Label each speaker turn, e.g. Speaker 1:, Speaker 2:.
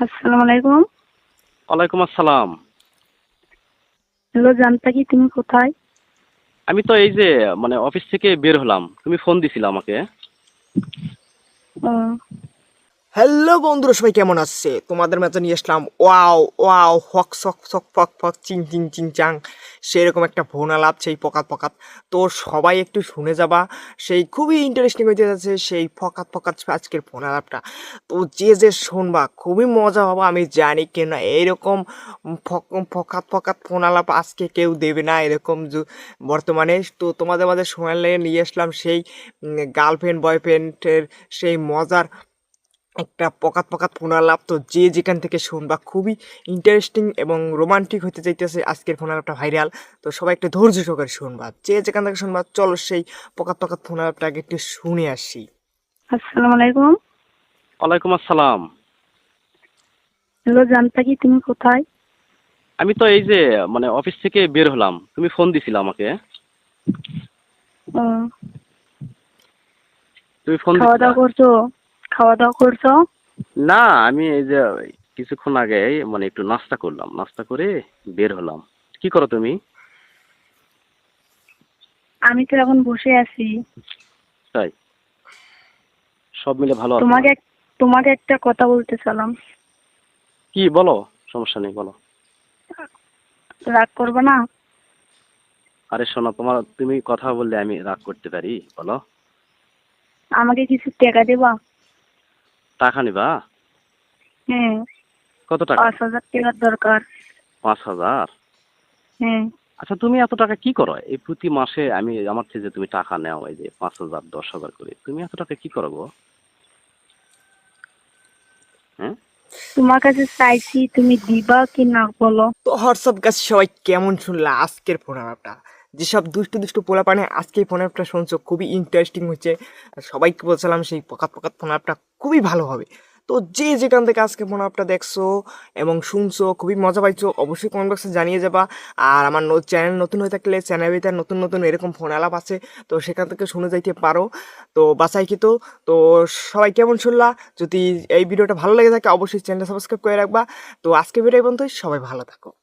Speaker 1: আসসালামু আলাইকুম।
Speaker 2: ওয়ালাইকুম আসসালাম।
Speaker 1: হ্যালো জানতা কি তুমি কোথায়?
Speaker 2: আমি তো এই যে অফিস থেকে বের হলাম, তুমি ফোন দিছিলে আমাকে।
Speaker 1: ও
Speaker 3: হ্যালো বন্ধুরা, সবাই কেমন আছে? তোমাদের মাঝে নিয়ে আসলাম ওয়াও ওয়াও হক সক সক ফক ফক চিং চিং চিং চাং, সেরকম একটা ফোন আলাপ, সেই পকাত পকাত। তো সবাই একটু শুনে যাবা, সেই খুবই ইন্টারেস্টিং হইতে যাচ্ছে সেই ফকাত ফকাত আজকের ফোন আলাপটা। তো যে শুনবা খুবই মজা পাবা আমি জানি, কেন এইরকম ফকাত ফকাত ফোন আলাপ আজকে কেউ দেবে না এরকম বর্তমানে। তো তোমাদের মাঝে শোনালে নিয়ে আসলাম সেই গার্লফ্রেন্ড বয়ফ্রেন্ডের সেই মজার একটা পকাত পকাত ফোনালাপ। তো যে যেখান থেকে শুনবা খুবই ইন্টারেস্টিং এবং রোমান্টিক হতে চাইতেছে আজকের ফোনালাপটা ভাইরাল। তো সবাই একটু ধৈর্য সহকারে শুনবা, যে যেখান থেকে শুনবা। চলো সেই পকাত পকাত ফোনালাপটা আগে একটু শুনে আসি।
Speaker 1: আসসালামু আলাইকুম।
Speaker 2: ওয়ালাইকুম আসসালাম।
Speaker 1: হ্যালো জানতা কি তুমি কোথায়?
Speaker 2: আমি তো এই যে অফিস থেকে বের হলাম, তুমি ফোন দিছিলে আমাকে।
Speaker 1: ও
Speaker 2: তুমি ফোন
Speaker 1: খাওয়া
Speaker 2: দিছিলা?
Speaker 1: দাওয়া করছো? খাওয়া দাওয়া করছো?
Speaker 2: না, আমি এই যে কিছুক্ষণ আগে একটু নাস্তা করলাম, নাস্তা করে বের হলাম। কি করো তুমি?
Speaker 1: আমি তো এখন বসে আছি।
Speaker 2: তাই? সব মিলে ভালো আছো?
Speaker 1: তোমাকে তোমাকে একটা কথা বলতে চালাম।
Speaker 2: কি বলো? সমস্যা নেই, বলো।
Speaker 1: রাগ করবে না?
Speaker 2: আরে শোনো, তুমি কথা বললে আমি রাগ করতে পারি? বলো।
Speaker 1: আমাকে কিছু টাকা দেবা?
Speaker 2: টাকা নিবা?
Speaker 1: হ্যাঁ,
Speaker 2: কত টাকা?
Speaker 1: 5,000 টাকার দরকার।
Speaker 2: 5,000?
Speaker 1: হ্যাঁ,
Speaker 2: আচ্ছা, তুমি এত টাকা কি করো? এই প্রতি মাসে আমার থেকে যে তুমি টাকা নেও, এই যে 5,000 10,000 করে, তুমি এত টাকা কি করো গো? হ্যাঁ?
Speaker 1: তোমার কাছে চাইছি, তুমি দিবা কি না বলো।
Speaker 3: তো হোয়াটসঅ্যাপ গাছ সবাই কেমন শুনলা আজকের ফোনালাপটা? যেসব দুষ্টু দুষ্টু পোলা পানে আজকে এই ফোনালাপটা শুনছো খুবই ইন্টারেস্টিং হচ্ছে। আর সবাইকে বলছিলাম সেই পকাত পকাত ফোনালাপটা খুবই ভালো হবে। তো যে যেখান থেকে আজকে ফোনালাপটা দেখছো এবং শুনছো খুবই মজা পাইছো, অবশ্যই কমেন্ট বক্সে জানিয়ে যাবা। আর আমার চ্যানেল নতুন হয়ে থাকলে চ্যানেলের ভিতরে নতুন নতুন এরকম ফোন আলাপ আছে, তো সেখান থেকে শুনে যাইতে পারো। তো বাসাই কি তো সবাই কেমন শুনলা? যদি এই ভিডিওটা ভালো লেগে থাকে অবশ্যই চ্যানেলটা সাবস্ক্রাইব করে রাখবা। তো আজকে ভিডিও এই পর্যন্তই, সবাই ভালো থাকো।